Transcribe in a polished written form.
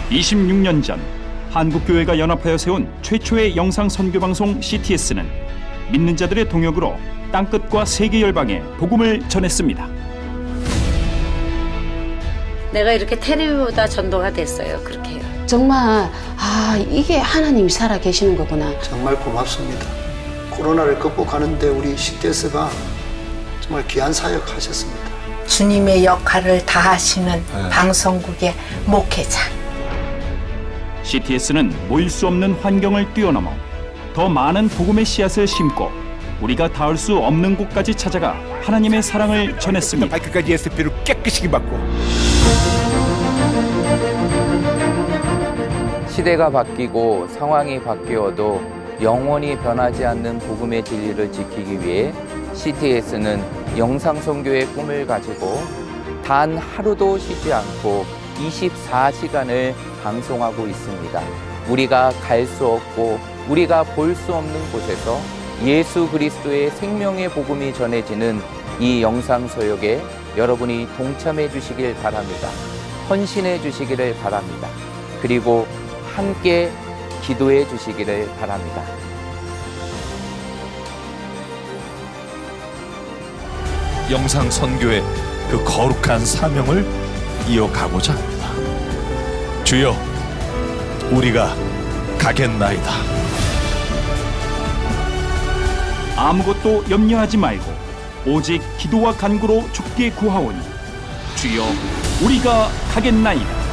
26년 전 한국교회가 연합하여 세운 최초의 영상 선교 방송 CTS는 믿는 자들의 동역으로 땅끝과 세계 열방에 복음을 전했습니다. 내가 이렇게 텔레비보다 전도가 됐어요. 그렇게 해요. 정말 이게 하나님이 살아 계시는 거구나. 정말 고맙습니다. 코로나를 극복하는데 우리 CTS가 정말 귀한 사역 하셨습니다. 주님의 역할을 다하시는 방송국의 목회자. CTS는 모일 수 없는 환경을 뛰어넘어 더 많은 복음의 씨앗을 심고 우리가 닿을 수 없는 곳까지 찾아가 하나님의 사랑을 전했습니다. 발끝까지 예수피로 깨끗이 받고. 시대가 바뀌고 상황이 바뀌어도 영원히 변하지 않는 복음의 진리를 지키기 위해 CTS는 영상 선교의 꿈을 가지고 단 하루도 쉬지 않고 24시간을 방송하고 있습니다. 우리가 갈 수 없고 우리가 볼 수 없는 곳에서 예수 그리스도의 생명의 복음이 전해지는 이 영상 소역에 여러분이 동참해 주시길 바랍니다. 헌신해 주시기를 바랍니다. 그리고 함께 기도해 주시기를 바랍니다. 영상 선교의 그 거룩한 사명을 이어가고자 합니다. 주여, 우리가 가겠나이다. 아무것도 염려하지 말고 오직 기도와 간구로 주께 구하오니 주여 우리가 가겠나이다.